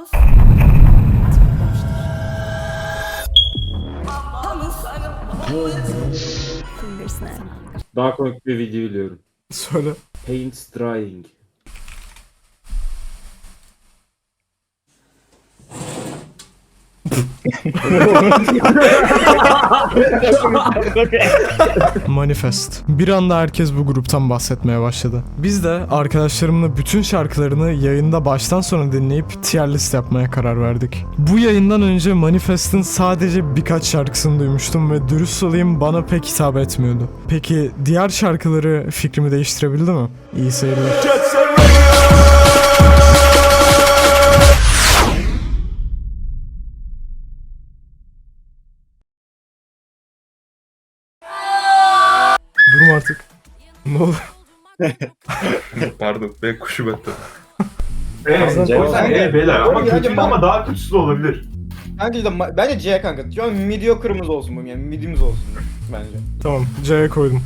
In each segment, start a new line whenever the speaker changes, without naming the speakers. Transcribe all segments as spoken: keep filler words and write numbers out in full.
Daha komik bir video biliyorum.
Söyle.
Paint drying.
Manifest. Bir anda herkes bu gruptan bahsetmeye başladı. Biz de arkadaşlarımla bütün şarkılarını yayında baştan sona dinleyip tier list yapmaya karar verdik. Bu yayından önce Manifest'in sadece birkaç şarkısını duymuştum ve dürüst olayım bana pek hitap etmiyordu. Peki diğer şarkıları fikrimi değiştirebildi mi? İyi seyirler. Durum artık. Ne oldu?
Pardon, ben kuşu battı.
Evet,
O yüzden
evet beyler ama
Bence
kötü
ben-
ama daha kötüsü de olabilir.
Bence de ma- bence C kanka. Şu an mediocre'ımız olsun bu yani midimiz olsun bence.
Tamam, C'ye koydum.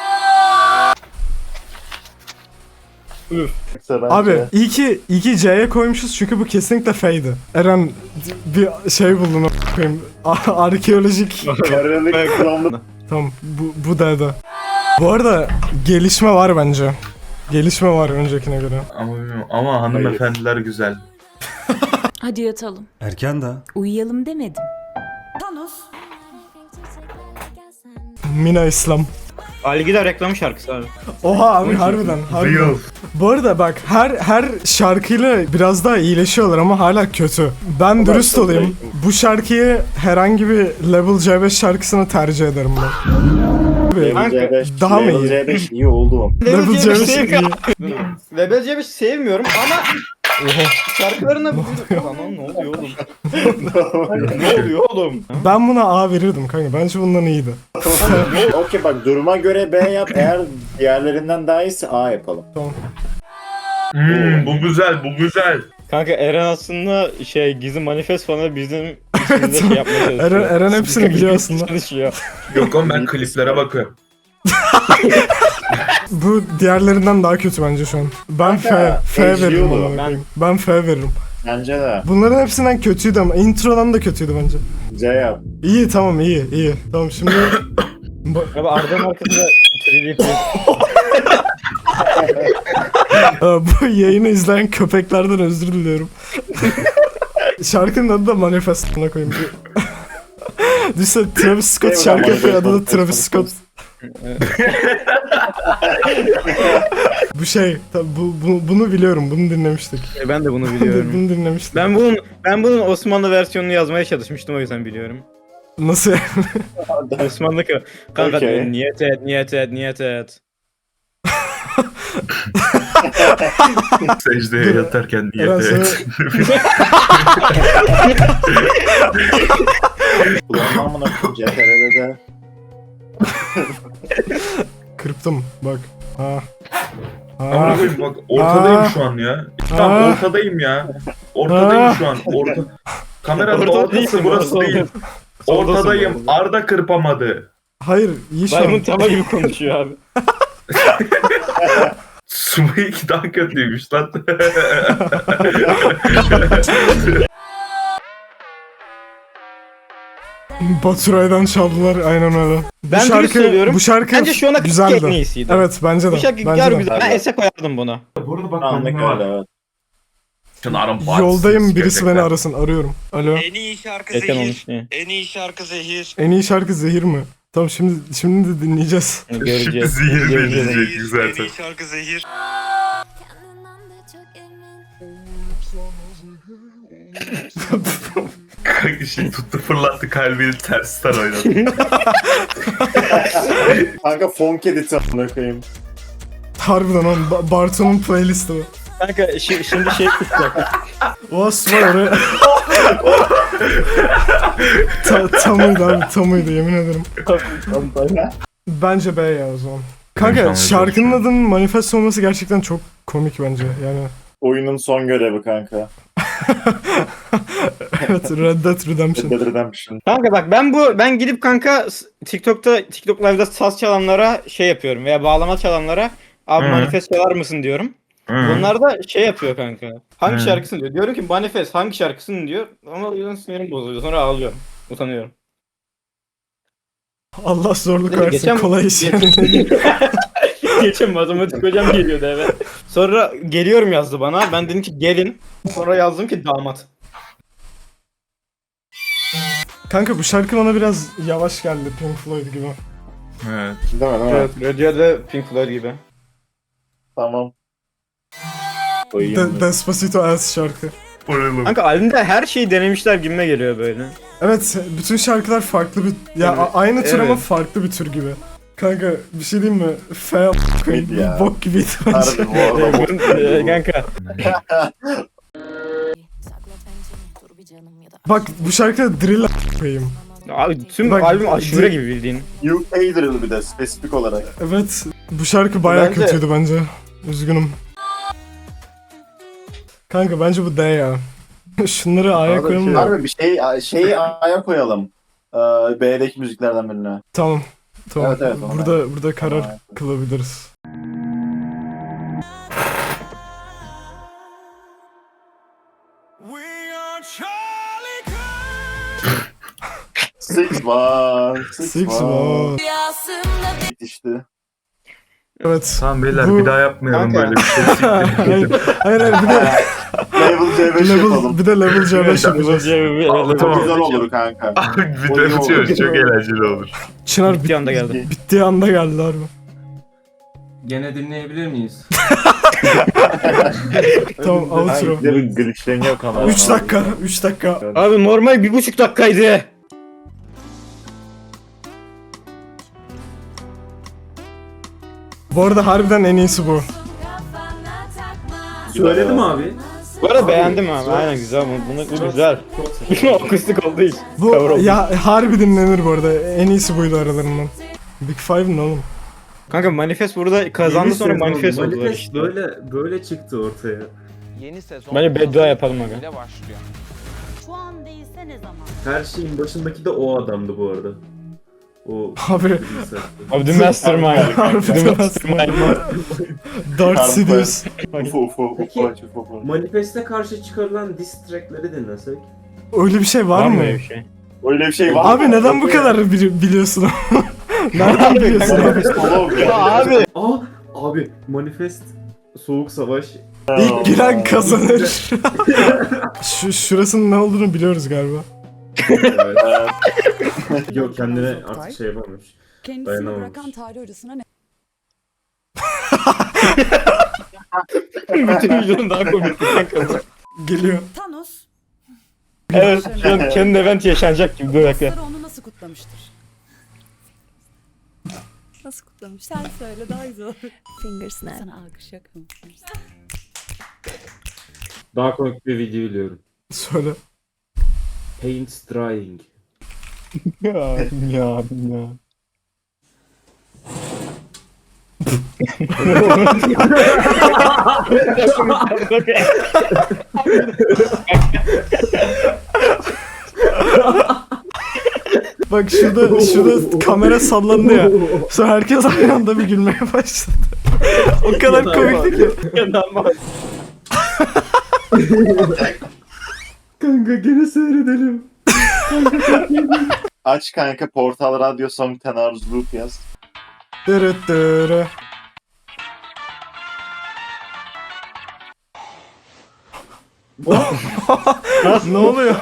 Abi iyi ki, iyi ki C'ye koymuşuz çünkü bu kesinlikle F'ydi. Eren bir şey buldun a**ayım. A- Arkeolojik. Tamam bu, bu D'de. Bu arada gelişme var bence. Gelişme var öncekine göre.
Ama bilmiyorum. Ama hanımefendiler güzel.
Hadi yatalım.
Erken daha.
Uyuyalım demedim.
Mina İslam.
Algida reklam şarkısı abi.
Oha abi harbiden. harbiden.
Real.
Bu arada bak her her şarkıyla biraz daha iyileşiyorlar ama hala kötü. Ben dürüst olayım. Bu şarkıyı herhangi bir Level C beş şarkısını tercih ederim ben.
Kanka,
C beş,
daha mı
Level
iyi?
C beş iyi oldu.
Level C beş iyi.
Level C beş sevmiyorum ama şarkılarına bu Aman ne oluyor oğlum? Ne oluyor oğlum?
Ben buna A verirdim kanka. Bence bundan iyiydi.
Okey bak duruma göre B yap. Eğer diğerlerinden daha iyiyse A yapalım.
Hmm, bu güzel, bu güzel.
Kanka Eren aslında şey gizli manifest fanı bizim içimizde şey yapmaya çalışıyor.
Eren, Eren hepsini biliyor aslında.
Çalışıyor.
Yok oğlum ben kliplere bakıyorum.
Bu diğerlerinden daha kötü bence şu an. Ben F,
Kanka,
F
H D
veririm
olur.
buna.
Ben-
Ben F veririm.
Bence de.
Bunların hepsinden kötüydü ama introdan da kötüydü bence.
C yap.
İyi tamam iyi iyi. Tamam şimdi Ba-
Abi Arda'nın arkasında üç D
Aa, bu yayını izleyen köpeklerden özür diliyorum. Şarkının adı da Manifest'ına koyayım. Düşünsene Travis Scott şarkı yapıyor, adı da Travis Scott. Bu şey, tabi bu, bu, bunu biliyorum, bunu dinlemiştik.
Ben de bunu
bunu
biliyorum.
dinlemiştik.
ben bunun ben bunun Osmanlı versiyonunu yazmaya çalışmıştım o yüzden biliyorum.
Nasıl yani?
Osmanlı ka- kanka
Okey.
diyor, niyet et niyet et niyet et.
Secdeye yatarken
Eren
niyet
sana-
et.
Kulağımdan amına koyayım C T R'de de.
Kırptım, bak. Ha.
Amına
Ha.
koyayım bak ortadayım
Aa.
şu an ya. Tamam
Aa.
ortadayım ya. Ortadayım
Aa.
şu an. Orta... Kameranın
Ortada
ortası
değilsin,
burası
ortada.
değil.
Soldasın
Ortadayım.
bu arada.
Arda kırpamadı.
Hayır, iyi şu
Maymun
an.
tava gibi konuşuyor abi.
Sumik daha kötüymüş lan.
Baturay'dan çaldılar, aynen öyle. Bu
Ben dürüst söylüyorum.
Bu şarkı
Bence şu ana kadar
güzeldi.
en iyisiydi.
Evet, bence de.
Bu şarkı
bence
gör
de.
güzel. Ben Es'e koyardım bunu.
Bu arada bak
Anlık
bende var.
öyle evet.
Çınar'ın
Yoldayım, birisi beni arasın, arıyorum. Alo.
En iyi şarkı
Eten
Zehir.
olmuş diye.
En iyi şarkı Zehir.
En iyi şarkı Zehir mi? Tamam şimdi şimdi de dinleyeceğiz.
Şimdi
Göreceğiz.
zehir
Göreceğiz.
deneyecek
En
zaten.
iyi şarkı Zehir.
Kanka şimdi tuttu fırlattı kalbini tersten oynadı.
Kanka funk edit amına koyayım.
Harbiden oğlum Ba- Bartu'nun playlisti bu.
Kanka şi- şimdi şey kısacak.
Oğuz var oraya. Ta, tamıydı abi tamıydı yemin ederim. Bence B ya o zaman. Kanka
Tamam,
şarkının adının Manifest olması gerçekten çok komik bence yani.
Oyunun son görevi kanka.
Evet Red Dead Redemption.
Red Dead Redemption.
Kanka bak ben bu ben gidip kanka s- TikTok'ta TikTok Live'da saz çalanlara şey yapıyorum veya bağlama çalanlara abi
Hı.
manifest çalar mısın diyorum. Bunlar da şey yapıyor kanka. Hangi
Hı.
şarkısını diyor. Diyorum ki Manifest hangi şarkısını diyor. Ama birden sinirim bozuluyor. Sonra ağlıyorum. Utanıyorum.
Allah zorluk
Neyse,
versin
geçen-
kolay iş yani.
Geçen matematik hocam geliyordu eve. Sonra geliyorum yazdı bana. Ben dedim ki gelin. Sonra yazdım ki damat.
Kanka bu şarkı bana biraz yavaş geldi Pink Floyd gibi.
Evet.
Değil mi değil mi?
Evet, Radiohead ve Pink Floyd gibi.
Tamam.
De-
Koyayım.
Despacito ass şarkı.
Vuralım.
Kanka albümde her şeyi denemişler gibime geliyor böyle.
Evet bütün şarkılar farklı bir... Ya
Evet,
a- aynı tür ama
evet.
farklı bir tür gibi. Kanka bir şey diyeyim mi? F koyayım
Ya.
bok gibiydi bence.
Harbi bu arada bu.
Ee, kanka.
Bak bu şarkıda drill koyayım.
Abi tüm
Bak,
albüm aşure
di-
gibi bildiğin.
U K drill bir de spesifik olarak.
Evet bu şarkı bayağı
Bence-
kötüydü bence. Üzgünüm. Kanka bence bu D ya. Şunları A'ya
Arada
koyalım
şey-
da.
Harbi bir şey şeyi A'ya koyalım. Ee, B'deki müziklerden birine.
Tamam. Tamam.
Evet, evet, ona
burada burada karar
Tamam.
kılabiliriz.
Six var. Six,
Six
var.
var.
İşte.
Evet.
Tamam beyler
Bu-
bir daha yapmayalım
Kanka.
böyle bir şey.
hayır, hayır hayır bir de
Level C beş
level,
yapalım.
bir de level C beş yapacağız.
O
Tamam.
güzel olur kanka.
Abi bir
O
de
iyi olur.
bitiyoruz çok eğlenceli olur.
Çınar
Bir
bit,
anda geldi.
bittiği anda geldi harbi.
Gene dinleyebilir miyiz?
Tamam outro.
Ay, glitchleniyor kamera.
üç dakika, üç dakika.
Abi normal bir buçuk dakikaydı.
Bu arada harbiden en iyisi bu.
Söyledim abi.
Bu arada beğendim abi. Aynen güzel. Bu, bunu, bu güzel. Akustik olduğu için.
Bu
Cover oldu.
ya harbi dinlenir bu arada. En iyisi buydu aralarından. Big Five ne oğlum?
Kanka Manifest burada kazandı
Yeni
sonra
sezon
Manifest oldular
Manifest
işte.
böyle böyle çıktı ortaya.
Yeni sezon
Bence beddua yapalım aga.
ile başlıyor.
Şu an değilse ne zaman?
Her şeyin başındaki de o adamdı bu arada. O
Abi
bilgisayar.
Abi The Mastermind.
harbiden aslında. Dark
Harbi.
Sidious.
Ufo ufo
Peki.
ufo ufo ufo.
Manifest'e karşı çıkarılan diss track'leri dinlesek.
Öyle bir şey var,
Var
mı?
mı öyle bir şey?
Öyle bir şey var mı?
Abi neden bu kadar bili- biliyorsun? Nereden biliyorsun?
Psikolog ya.
Abi.
Aa abi Manifest Soğuk Savaş.
İlk giren kazanır. Şu şurasının ne olduğunu biliyoruz galiba.
Evet. Yok kendine artık şey yapamamış.
Kendisini
Dayanamamış.
bırakan tarih hocasına ne?
Bütün videonun daha komik kanka.
Geliyor.
Thanos,
Evet. Şu an kendi event yaşanacak gibi bir dakika.
dostları onu nasıl kutlamıştır? Nasıl kutlamış? Sen söyle daha güzel olur. Fingersnap. Sana alkış yok mu?
Daha komik bir video biliyorum.
Söyle.
Paint drying.
Ya ya ya.
Bak şurada şurada kamera sallandı ya. Sonra herkes aynı anda bir gülmeye başladı. O kadar komikti ki.
Kanka gene seyredelim.
Aç kanka Portal Radyo Song Tenaruz Loop yaz.
Dırıt dırı. Ne oluyor?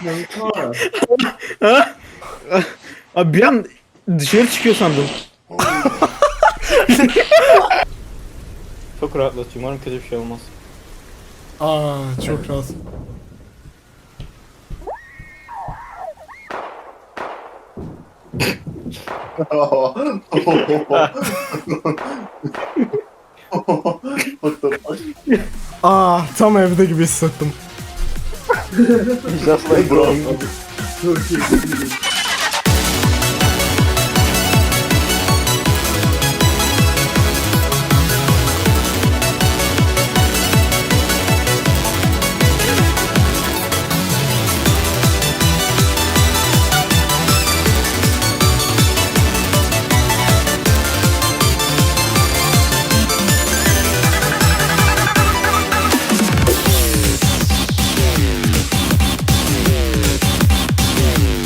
Abi bir an dışarı çıkıyor sandım. Çok rahatlatıyor. Umarım kötü bir şey olmaz.
Aa çok rahat.
What the fuck?
Aa tam evde gibi hissettim.
Just like
Bro.
Çok iyi.